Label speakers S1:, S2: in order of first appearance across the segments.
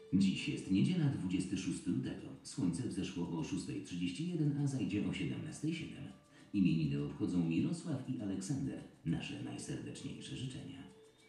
S1: Dziś jest niedziela, 26 lutego. Słońce wzeszło o 6:31, a zajdzie o 17:07. Imieniny obchodzą Mirosław i Aleksander. Nasze najserdeczniejsze życzenia.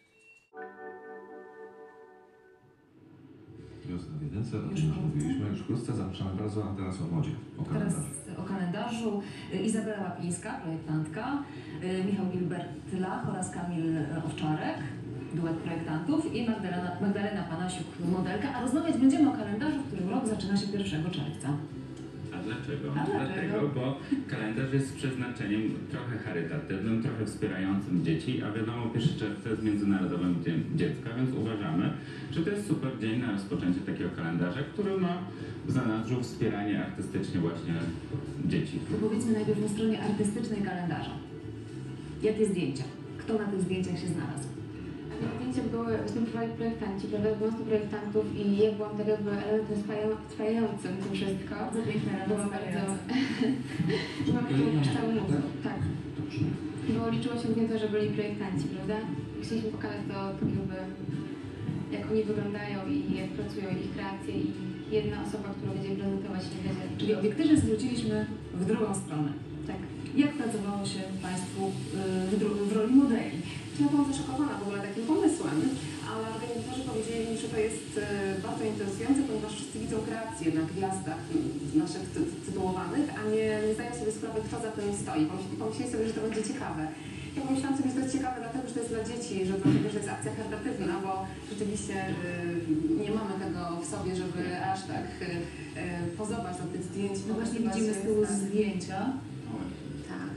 S2: Wiosna w jedynce, o tym już mówiliśmy, już wkrótce zapraszamy bardzo, a teraz o modzie, o kalendarzu.
S3: Teraz o kalendarzu Izabela Łapińska, projektantka, Michał Gilbert-Lach oraz Kamil Owczarek, duet projektantów, i Magdalena Panasiuk, modelka, a rozmawiać będziemy o kalendarzu, w którym rok zaczyna się 1 czerwca.
S4: A dlaczego?
S3: Dlatego,
S4: bo kalendarz jest z przeznaczeniem trochę charytatywnym, trochę wspierającym dzieci, a wiadomo, 1 czerwca jest Międzynarodowym Dniem Dziecka, więc uważamy, że to jest super dzień na rozpoczęcie takiego kalendarza, który ma w zanadrzu wspieranie artystycznie właśnie dzieci.
S3: to powiedzmy najpierw o stronie artystycznej kalendarza. Jakie zdjęcia? Kto na tych zdjęciach się znalazł?
S5: Na zdjęciach występowali projektanci, prawda? 12 projektantów i ja byłam tak jakby elementem spajającym to wszystko.
S3: Bardzo piękne,
S5: Byłam bardzo... Byłam taką kształt mózgu, tak. Bo liczyło się głównie to, że byli projektanci, prawda? I chcieliśmy pokazać to tak jakby, jak oni wyglądają i jak pracują, ich kreacje, i jedna osoba, która będzie prezentować się będzie.
S3: Czyli obiektywie zwróciliśmy w drugą stronę.
S5: Tak.
S3: Jak pracowało się Państwu w roli modeli?
S6: Ja byłam zaszokowana w ogóle takim pomysłem, ale organizatorzy powiedzieli mi, że to jest bardzo interesujące, ponieważ wszyscy widzą kreacje na gwiazdach naszych tytułowanych, a nie zdają sobie sprawy, kto za tym stoi. Pomyśleli sobie, że to będzie ciekawe. Ja pomyślałam sobie, że to jest ciekawe dlatego, że to jest dla dzieci, że dlatego, że jest akcja charytatywna, bo rzeczywiście nie mamy tego w sobie, żeby aż tak pozować do tych zdjęć.
S3: No właśnie widzimy z tyłu zdjęcia.
S6: Tak.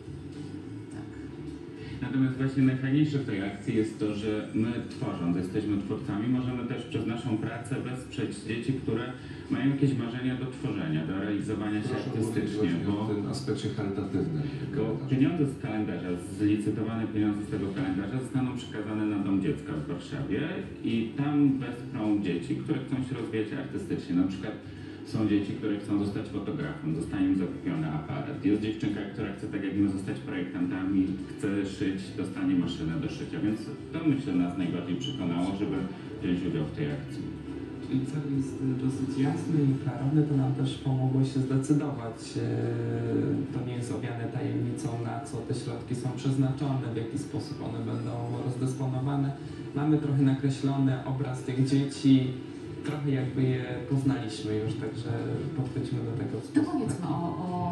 S4: Natomiast właśnie najfajniejsze w tej akcji jest to, że my tworząc, jesteśmy twórcami, możemy też przez naszą pracę wesprzeć dzieci, które mają jakieś marzenia do tworzenia, do realizowania się artystycznie,
S2: bo w tym aspekcie charytatywnym.
S4: bo pieniądze z kalendarza, zlicytowane pieniądze z tego kalendarza zostaną przekazane na Dom Dziecka w Warszawie i tam wesprą dzieci, które chcą się rozwijać artystycznie. Na przykład są dzieci, które chcą zostać fotografem, zostanie im zakupiony aparat. Jest dziewczynka, która chce tak jak my zostać projektantami, chce szyć, dostanie maszynę do szycia, więc to myślę nas najbardziej przekonało, żeby wziąć udział w tej akcji.
S7: Czyli cel jest dosyć jasny i klarowny, to nam też pomogło się zdecydować. To nie jest owiane tajemnicą, na co te środki są przeznaczone, w jaki sposób one będą rozdysponowane. Mamy trochę nakreślony obraz tych dzieci, trochę jakby je poznaliśmy już, także podchodźmy do tego w
S3: To
S7: sposób
S3: powiedzmy
S7: taki.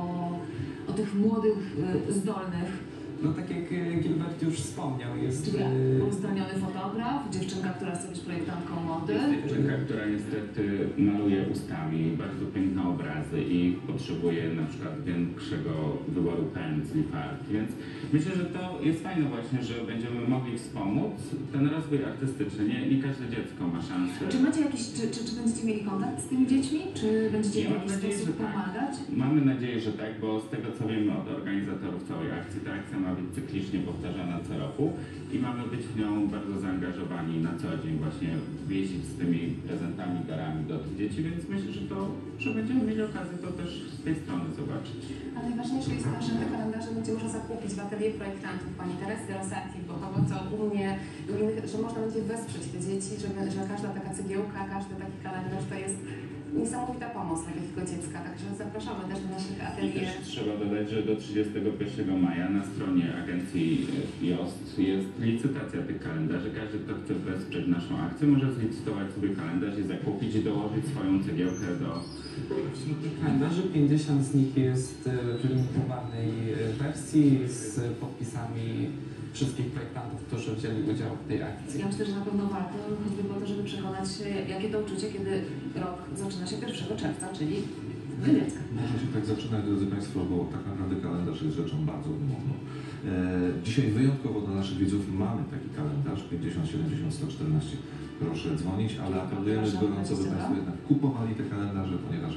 S3: o tych młodych, zdolnych.
S7: No tak jak Gilbert już wspomniał, jest...
S3: Czyli uzdolniony fotograf, dziewczynka, która chce być projektantką mody.
S4: Jest dziewczynka, która niestety maluje ustami bardzo piękne obrazy i potrzebuje na przykład większego wyboru pędzli, farb. Więc myślę, że to jest fajne właśnie, że będziemy mogli wspomóc ten rozwój artystyczny. Nie każde dziecko ma szansę.
S3: Czy macie jakiś, czy będziecie mieli kontakt z tymi dziećmi? Czy będziecie
S4: Ja
S3: w
S4: mam
S3: jakiś
S4: nadzieję,
S3: sposób
S4: że tak.
S3: pomagać?
S4: Mamy nadzieję, że tak, bo z tego co wiemy od organizatorów całej akcji, ta akcja ma być cyklicznie powtarzana co roku i mamy być w nią bardzo zaangażowani na co dzień, właśnie jeździć z tymi prezentami, darami do tych dzieci, więc myślę, że będziemy mieli okazję to też z tej strony zobaczyć.
S6: A najważniejsze jest to, że te kalendarze będzie można zakupić w atelier projektantów pani Teresy Rosati, bo to, co u mnie, u innych, że można będzie wesprzeć te dzieci, że każda taka cegiełka, każdy taki kalendarz to jest niesamowita pomoc dla takiego dziecka, także zapraszamy też do naszych
S4: I
S6: atelier.
S4: też trzeba dodać, że do 31 maja na stronie agencji JOST jest licytacja tych kalendarzy. Każdy, kto chce wesprzeć naszą akcję, może zlicytować sobie kalendarz i zakupić i dołożyć swoją cegiełkę do...
S7: Wśród tych kalendarzy 50 z nich jest w limitowanej wersji z podpisami wszystkich projektantów, którzy wzięli udział w tej akcji.
S3: Ja myślę, że na pewno warto, choćby po to, żeby przekonać się, jakie to uczucie, kiedy rok zaczyna się 1 czerwca, czyli Dnia Dziecka.
S2: Może się tak zaczynać, drodzy Państwo, bo tak naprawdę kalendarz jest rzeczą bardzo wymowną. Dzisiaj wyjątkowo dla naszych widzów mamy taki kalendarz 50 70 114. Proszę dzwonić, ale apelujemy gorąco, by Państwo jednak kupowali te kalendarze, ponieważ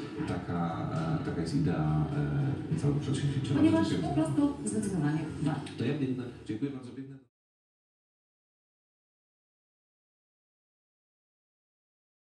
S2: taka jest idea całego przedsięwzięcia.
S3: Ponieważ po prostu zdecydowanie warto.
S2: To ja biegnę. Dziękuję bardzo. Biegnę.